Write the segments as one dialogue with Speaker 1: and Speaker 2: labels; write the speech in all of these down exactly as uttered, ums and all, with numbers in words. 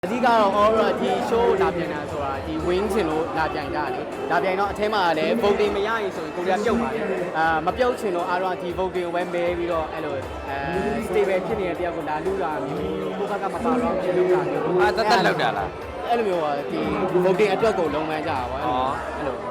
Speaker 1: အဓိကတော့ horror ဒီ show လာပြန်တာဆိုတာဒီ wing ချင်လို့လာပြန်ကြတယ်။လာပြန်တော့အထဲမှာလည်း voting မရရင်ဆိုရင်ကိုရီးယားပြုတ်ပါလေ။အာမပြုတ်ချင်တော့အားတော့ဒီ voting ကိုပဲမဲပြီးတော့အဲ့လိုအဲ stable ဖြစ်နေတဲ့တယောက်ကိုလာလူတာမျိုးကိုဘက်ကမပါတော့ဖြစ်လို့တာမျိုး
Speaker 2: အာတက်တက်လောက်တာလား
Speaker 1: အဲ့လိုမျိုးကဒီ voting အတွက်ကိုလုံးဝကြတာပေါ့အဲ့လို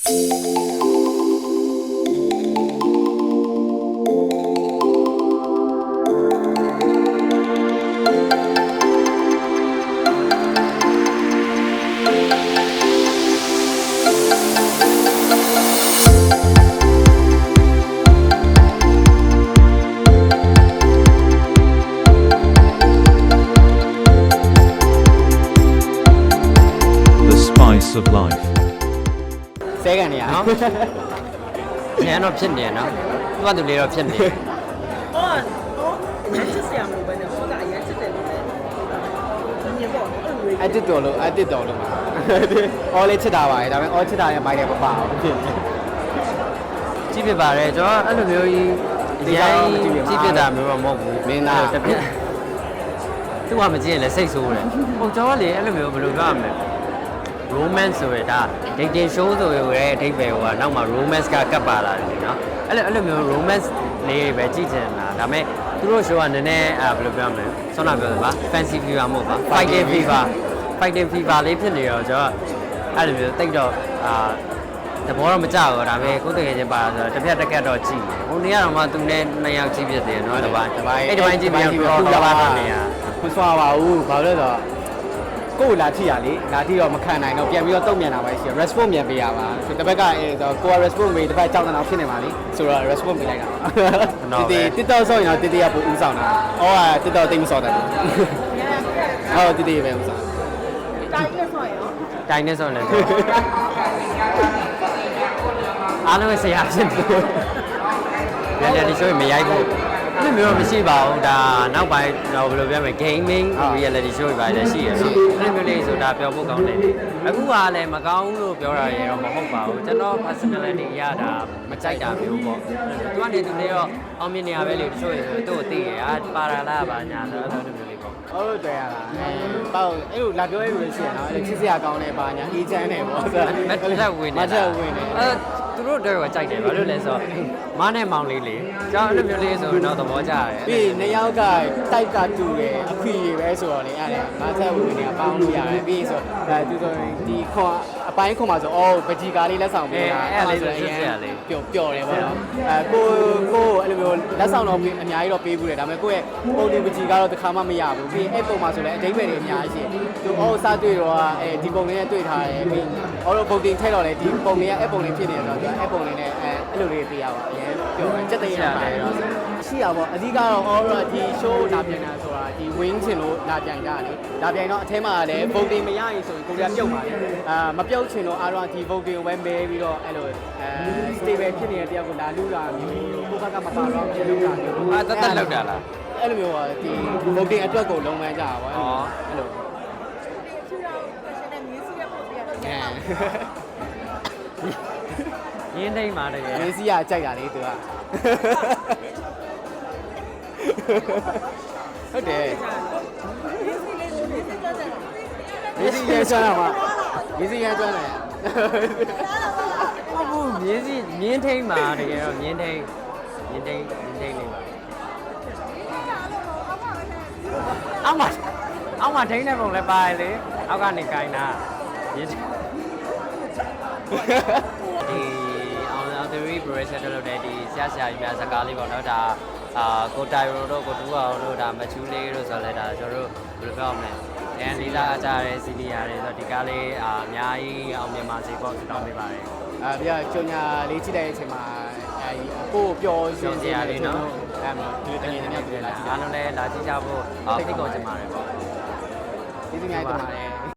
Speaker 3: of life
Speaker 1: ဆဲကန်နေရနော်
Speaker 2: ညံတော့ဖြစ်နေနော်သူကသူလေးတော့ဖြစ်နေ
Speaker 4: ဟောဟောချစ်စရာမလိုပဲနဲ့ဟောကအရင်ချစ်တယ်လို့လည်းညင်ပေါ့အဲ့လို
Speaker 1: အတစ်တော်လို့အတစ်တော်လို့မှာအော်လေးချစ်တာပါလေဒါပေမဲ့အော်ချစ်တာရဲ့မိုက်တယ်မပါဘူးဖြစ်နေ
Speaker 2: ကြည့်ဖြစ်ပါတယ်ကျွန်တော်အဲ့လိုမျိုးကြီးအရင်ကြည့်ဖြစ်တာမျိုးတော့မဟုတ်ဘူး
Speaker 1: မင်းသား
Speaker 2: တစ်ပြက်သူကမကြည့်ရင်လည်းစိတ်ဆိုးတယ်ဟုတ်ကျွန်တော်လေအဲ့လိုမျိုးဘယ်လိုပြောရမလဲromance ဆိုရတာ dating show ဆိုရတဲ့အဓိပ္ပာယ်ကနောက်မှ romance ကကပ်ပါလာတယ်နော်အဲ့လိုအဲ့လိုမျိုး romance လေးပဲကြည့်ချင်တာဒါပေမဲ့သူတို့ show ကနည်းနည်းအဲဘယ်လိုပြောမလဲဆောင်းနာပြောတယ်ပါ fancy fever မဟုတ်ပါ fighting fever fighting fever လေးဖြစ်နေတော့ကျွန်တော်အဲ့လိုမျိုးတိတ်တော့အာတဘောတော့မကြောက်တော့ဒါပေမဲ့ကိုယ်တကယ်ချင်းပါဆိုတော့တစ်ဖြတ်တစ်ကတ်တော့ကြည့်ဟိုနေ့ကတော့မှသူနဲ့နှစ်ယောက်ကြည့်ဖြစ်တယ်နော်တစ်ပိုင်းတစ်ပိုင်းအဲ့တစ်ပိုင်းကြည့်ပြီးတော့ပူလာပါတော့နေရ
Speaker 1: မစွာပါဘူးဘာလို့လဲဆိုတော့ကိုယ်လာထိရလေလာထိတော့မခံနိုင်တော့ပြန်ပြီးတော့တုံ့ပြန်တာပဲရှိရ response ပြန်ပေးရပါဆိုတစ်ဘက်ကအဲဆိုကိုက response ပေးတစ်ဘက်ကြောက်နေတာဖြစ်နေပါလိဆိုတော့ response ပေးလိုက်တာတီတီ TikTok ဆော့ရင်တော့တီတီကပိုဦးဆောင်တာဟောက TikTok တိတ်မဆော့တယ်ဟုတ်တီတီပဲဦးဆောင်
Speaker 4: တိုင်းနဲ့ဆိုရင်ရော
Speaker 2: တိုင်းနေဆုံးလည်းအားလုံးဆရာဖြစ်တယ်လည်းလည်းဒီ show မရိုက်ဘူးအဲ့လိုမျိုးမရှိပါဘူးဒါနောက်ပိုင်းတော့ဘယ်လိုပြောမလဲ gaming reality show တွေပါလည်းရှိရနော်အဲ့လိုမျိုးလေးဆိုတာပြောဖို့ကောင်းတယ်အခုကလည်းမကောင်းလို့ပြောတာရေတော့မဟုတ်ပါဘူးကျွန်တော် personality ရတာမကြိုက်တာမျိုးပေါ့သူကနေသူလေးတော့အောင်မြင်နေရပဲလေတချို့ရေဆိုသူ့ကိုသိရအာပါရာလားပါညာဆိုအဲ့လိုမျိုးလေးပေါ့
Speaker 1: ဟုတ်လို့တွေ့ရတာအဲပေါ့အဲ့လိုလာပြောရလို့ရှိရနော်အဲ့ချစ်စရာကောင်းတဲ့ပါညာအေးချမ်းတယ်ပေါ့ဆိုတော့
Speaker 2: မတ်တက်ဝင်နေ
Speaker 1: မတ်တက်ဝင်နေ
Speaker 2: အဲသူတို့တော့ကြိုက်တယ်ဘာလို့လဲဆိုတော့မနဲ့မောင်လေးလေကျွန်တော်အဲ့လိုမျိုးလေးဆိုတော့သဘောကျတယ်
Speaker 1: ပြီးနှစ်ယောက်ကတိုက်ကတူတယ်အခွေတွေပဲဆိုတော့လေအဲ့ဒါမတ်တက်ဝင်နေပေါင်းလို့ရတယ်ပြီးဆိုအဲသူဆိုရင်ဒီခွန်အပိုင်းခွန်မှာဆိုအော်ပကြီးကားလေးလက်ဆောင်ပေးတာပျော်ပျော်တယ်ပေါ့နော်အဲကိုကိုအဲ့လိုမျိုးလက်ဆောင်တော့အများကြီးတော့ပေးဘူးတယ်ဒါပေမဲ့ကိုယ့်ရဲ့ပုံလေးပကြီးကတော့တစ်ခါမှမရဘူးပြီးအဲ့ပုံမှာဆိုလည်းအတိတ်ပဲတွေအများကြီးရှိသူအော်စားတွေ့တော့အဲဒီပုံလေးနဲ့တွေ့ထားတယ်ပြီးအော်တော့ပုံတင်ထည့်တော့လေဒီပုံလေးကအဲ့ပုံလေးဖြစ်နေတော့သူအဲ့ပုံလေးနဲ့အဲအဲ့လိုလေးပေးရပါအရင်ပြောတယ်စက်တရပါတယ်တော့ရှိရပါအဓိကတော့ horror ဒီ show လာပြန်တာဆိုတာဒီ wing ချင်လို့လာပြန်ကြတယ်လာပြန်တော့အထဲမှာလည်း voting မရရင်ဆိုရင်ကိုရီးယားပြုတ်ပါလေအာမပြုတ်ချင်တော့အားတော့ဒီ voting ကိုပဲမဲပြီးတော့အဲ့လိုအဲ stable ဖြစ်နေတဲ့တယောက်ကိုလာလူတာမျိုးကိုဘက်ကမပါတော့ဖြစ်လို့တာမျိုး
Speaker 2: အာတက်တက်လောက်တာလား
Speaker 1: အဲ့လိုမျိုးကဒီ voting အတွက်ကိုလုံးဝကြတာပေါ့အဲ့လို
Speaker 4: ချူတော့ fashion နဲ့ music ရဲ့ပုံစံရတယ်
Speaker 2: ရင်းနှိမ့်ပါတကယ်
Speaker 1: မင်းစီကကြိုက်တာလေသူကဟုတ်တယ်
Speaker 4: music လေး music ကြတယ်
Speaker 1: မင်းစီရဲကျွမ်းတာမှာမင်းစီရဲကျွမ်းတယ်
Speaker 2: ဟုတ်ဘူးမြင်းစီမြင်းထိမ့်ပါတကယ်တော့မြင်းထိမ့်မြင်းထိမ့်မြင်းထိမ့်လေးပါအောက်မှာအောက်မှာထိမ့်တဲ့ပုံလည်းပါလေအောက်ကနေကိုင်းတာမြင်းဒီအောင်အောင်theory progression လုပ်တဲ့ဒီဆရာဆရာကြီးများစကားလေးပေါ့နော်ဒါအာကိုတိုင်ရိုတို့ကိုတူအောင်တို့ဒါမချူးလေးတို့ဆိုလဲဒါကျွန်တော်တို့ဘယ်လိုပြောမလဲအန်လီလာအကြတဲ့စီနီယာတွေဆိုဒီကားလေးအာအများကြီးအောင်မြင်ပါစေပေါ့တောင်းပေးပါတယ်
Speaker 1: အာပြကျုံညာလေးကြည့်တဲ့အချိန်မှာအဲကိုပျော်ရွှင်စရာလေးနော်အဲမှာဒီတကယ်တကယ်ပြလာ
Speaker 2: အားလုံးလည်းလာကြည့်ကြဖို့ဖိတ်ခေါ်ချင်ပါတယ်ပေါ့
Speaker 1: ဒီစီမြိုင်တင်ပါတယ်